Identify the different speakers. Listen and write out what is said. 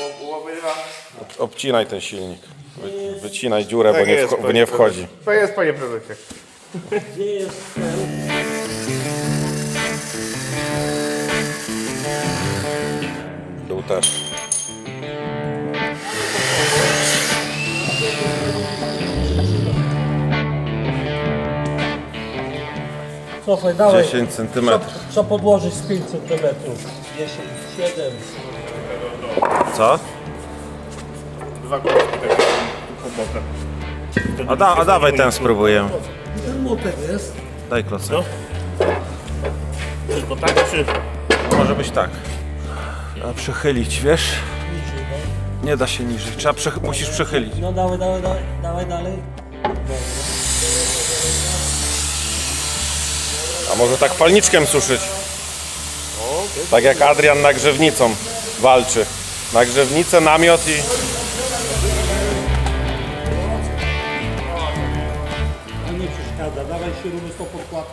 Speaker 1: Obcinaj ten silnik. Wycinaj dziurę, bo nie wchodzi.
Speaker 2: To jest, panie prezesie.
Speaker 3: Gdzie jest ten?
Speaker 1: Dół też.
Speaker 3: Cofaj, dawaj.
Speaker 1: 10 centymetrów.
Speaker 3: Co podłożyć z 5 cm? 10, 7.
Speaker 1: Co?
Speaker 2: Dwa kółki tak po boku.
Speaker 1: A dawaj ten spróbujemy.
Speaker 3: Ten młotek jest.
Speaker 1: Daj klocek.
Speaker 2: Tylko tak, czy...
Speaker 1: Może być tak. Trzeba przechylić, wiesz? Nie da się niżej. Musisz przechylić.
Speaker 3: No dawaj dalej.
Speaker 1: A może tak palniczkiem suszyć? Tak jak Adrian nagrzewnicą walczy. Nagrzewnicę, namiot i...
Speaker 3: A nie przeszkadza, dawaj śruby z tą podkładką.